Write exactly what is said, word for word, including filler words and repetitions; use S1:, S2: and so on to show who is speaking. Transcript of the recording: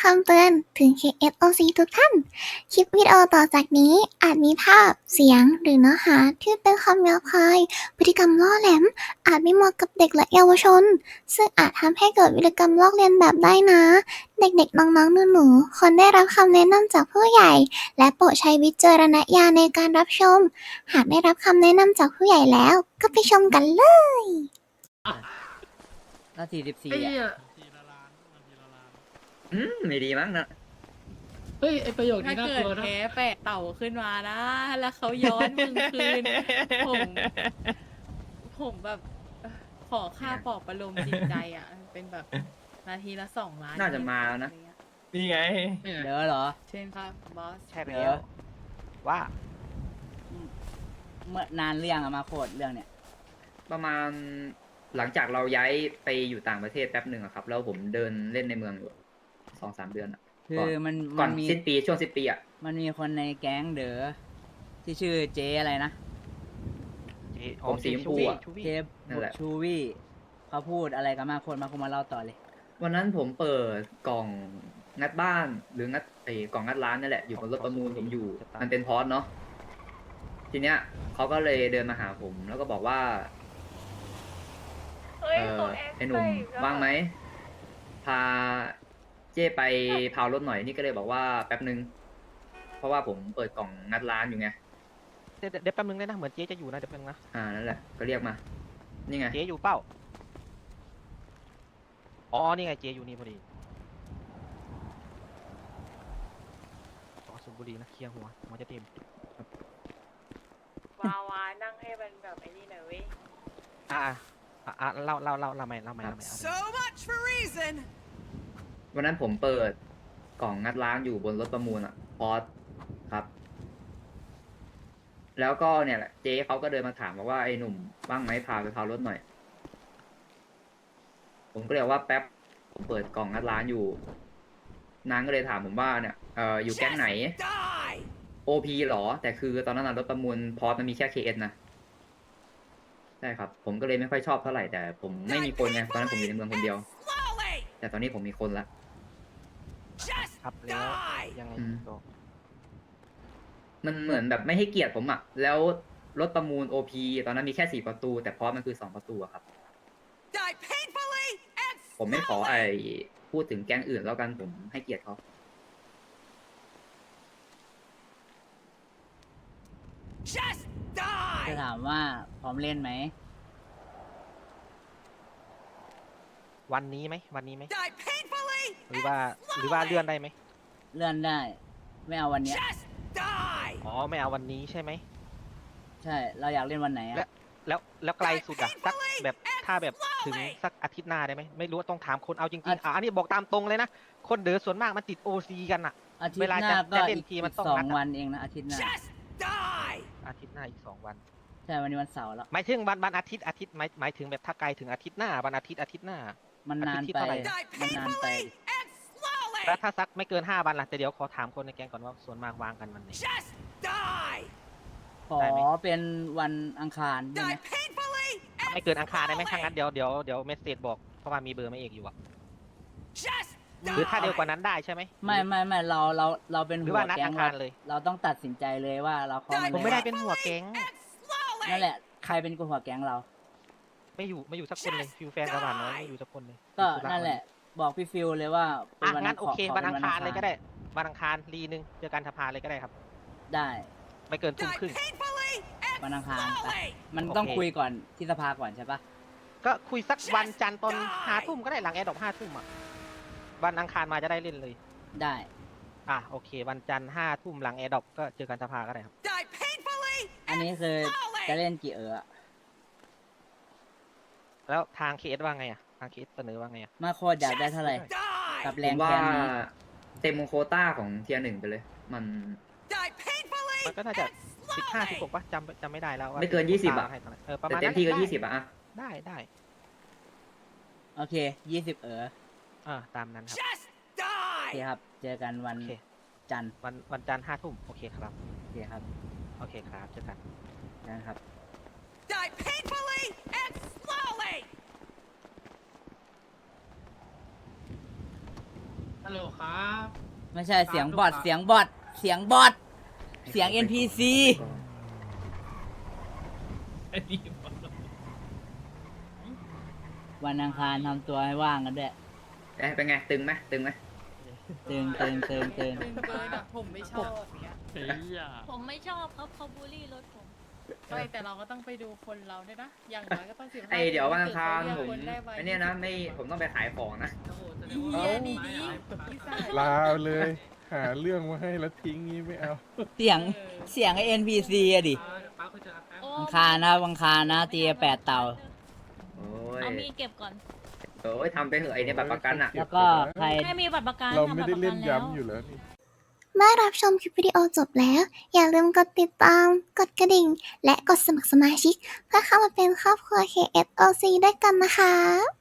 S1: ำเตือนถึง เค เอส โอ ซี ทุกท่าน คลิปวิดีโอต่อจากนี้อาจมีภาพ เสียง หรือเนื้อหาที่เป็นคำหยาบคาย พฤติกรรมล่อแหลม อาจไม่เหมาะกับเด็กและเยาวชน ซึ่งอาจทำให้เกิดพฤติกรรมลอกเลียนแบบได้นะ เด็กๆ น้องๆ หนูๆ ควรได้รับคำแนะนำจากผู้ใหญ่ และโปรดใช้วิจารณญาณในการรับชม หากได้รับคำแนะนำจากผู้ใหญ่แล้ว ก็ไปชมกันเลย
S2: ถ้าสี่สิบสี่
S3: ไอ้เหี้ย
S2: อ่ะ
S4: อืมไม่ดีมั้งนะ
S3: เฮ้ยไอประโยค
S5: ถ้า
S3: นี้น่า
S5: เกิ
S3: ก
S5: ด
S3: ลัวนะ
S5: แพ้แปะเต่าขึ้นมานะ แล้วเขาย้อนมึงคืน ผม ผมแบบเอ่อขอค่าปลอบประโลมจิตใจอ่ะ เป็นแบบนาทีละสองล้าน
S4: น่าจะมาแล้วนะ
S5: อไรเงี้ย
S6: นี่ไง
S2: เดี๋ยวเหรอ
S5: เช่นครับบอส
S6: ใช่
S2: เดี๋
S6: แล้
S2: ยว ว
S6: ว่า
S2: เมื่อนานเรื่องอะมาโคดเรื่องเนี้ย
S4: ประมาณหลังจากเราย้ายไปอยู่ต่างประเทศแป๊บหนึ่งอะครับ แล้วผมเดินเล่นในเมืองอยู่สองสามเดือนอะ
S2: คื
S4: ก่
S2: อน มัน
S4: ก่
S2: มั
S4: อน
S2: นมี
S4: สิ้นปีช่วงสิ้นปีอะ
S2: มันมีคนในแก๊งเด๋อที่ชื่อเจอะไรนะ
S6: เจ๊
S4: ผมสีชมพูอะ
S6: ชู
S2: เจ
S6: วี่
S4: นั่นแหละ
S2: ชูวี่เขาพูดอะไรกับมาโคดมาโคดมาเล่าต่อเลย
S4: วันนั้นผมเปิดกล่องงัดบ้านหรืองัดไอ้กล่องงัดร้านนั่นแหละอยู่บนรถประมูลผมอยู่ มันเป็นพอสเนาะทีเนี้ยเขาก็เลยเดินมาหาผม แล้วก็บอกว่าเออไอ้หนุ่มว่างไหมพาเจ้ไปพาวรถหน่อยนี่ก็เลยบอกว่าแป๊บนึง เพราะว่าผมเปิดกล่องงัดร้านอยู่ไง
S6: เดี๋ยวเดี๋ยวแป๊บนึงได้นะ เหมือนเจ๊จะอยู่นะ เดี๋ยวแป๊บนึงนะ
S4: อ่านั่นแหละก็เรียกมา นี่ไง
S6: เจ๊อยู่เป้า อ๋อ นี่ไง เจ๊อยู่นี่พอดี อ๋อสูบบุหรี่นะ เคลียร์หัวหัวจะเต็ม
S5: วาวานั่งให้มันแบบไอ้นี่หน่อยเว้ย
S6: อ่าอ่าอ่าเล่าเล่าเล่าเล่าใหม่เล่าใหม่เล่าใหม่เอาใหม่
S7: So much for reason.
S4: วันนั้นผมเปิดกล่องงัดร้านอยู่บนรถประมูลอะพอสครับ แล้วก็เนี่ยแหละเจ๊เขาก็เดินมาถามบอกว่าไอ้หนุ่มว่างไหมพาไปพาวรถหน่อย ผมก็เลยบอกว่าแป๊บผมเปิดกล่องงัดร้านอยู่ นางก็เลยถามผมว่าเนี่ยเอออยู่แก๊งไหน
S7: Die.
S4: โอ พี หรอ แต่คือตอนนั้นนะรถประมูลพอสมันมีแค่ เค เอส นะใช่ครับ ผมก็เลยไม่ค่อยชอบเท่าไหร่แต่ผมไม่มีคนไงตอนนั้นผมอยู่ในเมืองคนเดียว
S7: Slowly.
S4: แต่ตอนนี้ผมมีคนละ
S7: Just
S6: ครับแล้ว
S7: die.
S6: ยังไง
S4: อืม
S6: ต่อ
S4: มันเหมือนแบบไม่ให้เกียรติผมอะแล้วรถประมูล โอ พี ตอนนั้นมีแค่สี่ประตู แต่พอสมันคือสองประตูอะครับ
S7: Die painfully and
S4: ผมไม่ขอไอ
S7: slowly.
S4: พูดถึงแก๊งอื่นแล้วกันผมให้เกียรติเขา
S7: Just
S2: จะ
S7: die.
S2: ถามว่าพร้อมเล่นไหม
S6: วันนี้ไหม วันนี้ไหม
S7: Die painfully
S6: หรือว่า
S7: and
S6: หรือว่า
S7: slowly.
S6: เลื่อนได้ไหม
S2: เลื่อนได้ ไม่เอาวันเนี้ย
S7: Just die.
S6: อ๋อ ไม่เอาวันนี้ใช่ไหม
S2: ใช่ เราอยากเล่นวันไหน
S6: และ
S2: อะ
S6: แล้วแล้วไกลสุดอะสักแบบถ้าแบบถึงสักอาทิตย์หน้าได้ไหมไม่รู้ว่าต้องถามคนเอาจริงๆอ่ะอันนี้บอกตามตรงเลยนะ คนเดือส่วนมากมันติดโอซีกันอะ
S2: อาทิต
S6: เว
S2: ย์
S6: ลา
S2: หน้า
S6: จะ
S2: ก็
S6: จะเล่น
S2: อีก
S6: ทีมัน
S2: อีก
S6: ต้อง
S2: สอง
S6: นัดอะ
S2: วันเองนะอาทิตย์หน้า
S7: Just die.
S6: อาทิตย์หน้าอีกสองวัน
S2: ใช่วันนี้วันเสาร์แล้ว
S6: หมายถึงวันวันอาทิตย์อาทิตย์หมายหมายถึงแบบถ้าไกลถึงอาทิตย์หน้าวันอาทิตย์อาทิตย์หน้า
S2: มันนาน
S6: อาทิตย์ที่
S2: ไป
S6: เท่าไหร่
S7: Die
S2: มันนานไป
S7: painfully and slowly.
S6: แล้วถ้าสักไม่เกินห้าวันล่ะแต่เดี๋ยวขอถามคนในแกงก่อนว่าส่วนมากวางกันวันไหน
S7: Just die.
S2: ขอ
S6: ได้ไหม
S2: เป็นวันอังคารได้ไหม
S7: Die painfully
S6: ไม่
S7: and
S6: เกินอังคารได้ไหม
S7: slowly.
S6: ถ้างั้นเดี๋ยวเดี๋ยวเดี๋ยวเมสเซจบอกเพราะว่ามีเบอร์ไม่เอกอยู่อะ
S7: Just
S6: หรือถ้า
S7: die.
S6: เร็วกว่านั้นได้ใช่ไหม
S2: ไม่ไม่ไม่เราเราเราเป็น
S6: หรือ
S2: หัว
S6: ว่านัด
S2: แก๊
S6: อั
S2: ง
S6: ง
S2: เรา
S6: คารเลย
S2: เราต้องตัดสินใจเลยว่าเราเข้า
S7: Die
S2: มา
S6: ผมไม่ได้
S2: เลย
S6: เป็นหัวแก๊ง
S7: and slowly.
S2: นั่นแหละใครเป็นกูหัวแก๊งเรา
S6: ไม่อยู่ไม่อยู่สักคนเลยฟิวแฟนกระบาดน้อยไม่อยู่สักคนเลย
S2: ก็
S6: ติดธุร
S2: นั่นแหละ บอกพี่ฟิวเลยว่าเป็
S6: อ่ะ
S2: นวัน
S6: งั้นโอเค
S2: ข
S6: วัน
S2: ป็
S6: อังคารเลยก็ได้วันอังคารรีนึงเจอกันสภาเลยก็ได้ครับ
S2: ได้
S6: ไม่เกินทุ่ม
S7: Die
S6: ครึ่ง
S7: painfully and
S2: วันอังคารไป
S7: slowly.
S2: มันต้อง
S6: โอเค
S2: คุยก่อนที่สภาก่อนใช่ปะ
S6: ก็คุยสักวันจันทร์ตอนห้าทุ่มก็ได้หลังแอร์ดรอปห้าทุ่มอ่ะวันอังคารมาจะได้เล่นเลย
S2: ได้
S6: อ่ะโอเค วันจันทร์ห้าทุ่มหลังแอร์ดรอปก็เจอกันสภาก็ได้ครับ
S7: Die painfully
S2: อันนี้
S7: and
S2: คือ
S7: slowly.
S2: จะเล่นกี่เอออะ
S6: แล้วทางเคสว่าไงอ่ะทางเคสเสนอว่าไงอ่ะ
S2: มาโคตรอยากได้เท่าไหร่
S7: Die.
S2: กับ
S4: ผ
S2: แรง
S4: มว่า
S2: แคนนี้
S4: เต็มโควต้าของเทียร์หนึ่งไปเลย มัน
S7: Die painfully
S6: มันก็น่าจะ
S7: and
S6: สิบห้าสิบห
S7: slowly.
S6: กป่ะจำจำไม่ได้แล้วว่า
S4: ไม่เกินยี่สิบอะ
S6: ให้เท่าไหร่เออประ
S4: แต่
S6: มาณ
S4: เต็ม
S6: นั้น
S4: ที่ก็
S6: ได้
S4: ยี่สิบอะอะ
S6: ได้ได้
S2: โอเคยี่สิบเออ
S6: อ่าตามนั้นครับ
S7: Just
S2: โอเค
S7: die.
S2: ครับ เจอกันวัน
S6: โอเค
S2: จันทร์
S6: วันวันจันทร์ห้าทุ่มโอเคครับ
S2: โอเคครับ
S6: โอเคครับเจอกัน
S2: เจอกันครับ
S7: Die painfully and slowly.
S3: ฮัลโหลครับ
S2: ไม่ใช่เสียงบอทเสียงบอทเสียงบอทเสียง เอ็น พี ซี
S3: ไอ้นี่
S2: วันอังคารทำตัวให้ว่างกันด้วย
S4: เอ๊ะเป็นไงตึงไหมตึงไหม
S2: ตึงตึงตึงตึง
S5: ตึงเกินอะผมไม่ชอบอย่างเงี้ย
S3: เฮ้ยอ่ะ
S8: ผมไม่ชอบครับเขาบูลลี่รถผม
S5: ไม่แต่เราก็ต้องไปดูคนเราด้วยนะ อย่างน้อยก็ต้องสิบห้า
S4: ไอเดี๋ยววันอังคารผม
S5: คนได้ไว
S4: ไอเนี่ยนะไม่ผมต้องไปขายของนะ
S3: โอ้โหแสด
S5: อี
S3: งว่า
S5: เหี้ยดีดีอีสาน
S9: ลาเลย หาเรื่องมาให้แล้วทิ้งงี้ไม่เอา
S2: เสียงเสียงไอ เอ็น พี ซี อะดิ
S3: ป้าเขาจะแป๊บ
S8: โอ้
S2: อังคารนะอังคารนะตีแปดเต่า
S4: โอ้ย
S8: เอามีดเก็บก่อน
S4: โอ้ยทำไปเหอะไอเนี่ยบัตรประกันอ่ะ
S2: แล้วก็ใคร
S8: ให้มีบัตรประกัน
S9: เรา
S8: ทำ
S9: ไม่
S8: บัตร
S9: ได้
S8: ประกั
S9: เล่
S8: น
S9: น
S8: แล้ว
S9: ย้ำอยู่แล้วนี่
S1: เมื่อรับชมคลิปวิดีโอจบแล้ว อย่าลืมกดติดตาม กดกระดิ่ง และกดสมัครสมาชิก เพื่อเข้ามาเป็นครอบครัว เค เอส โอ ซี ด้วยกันนะคะ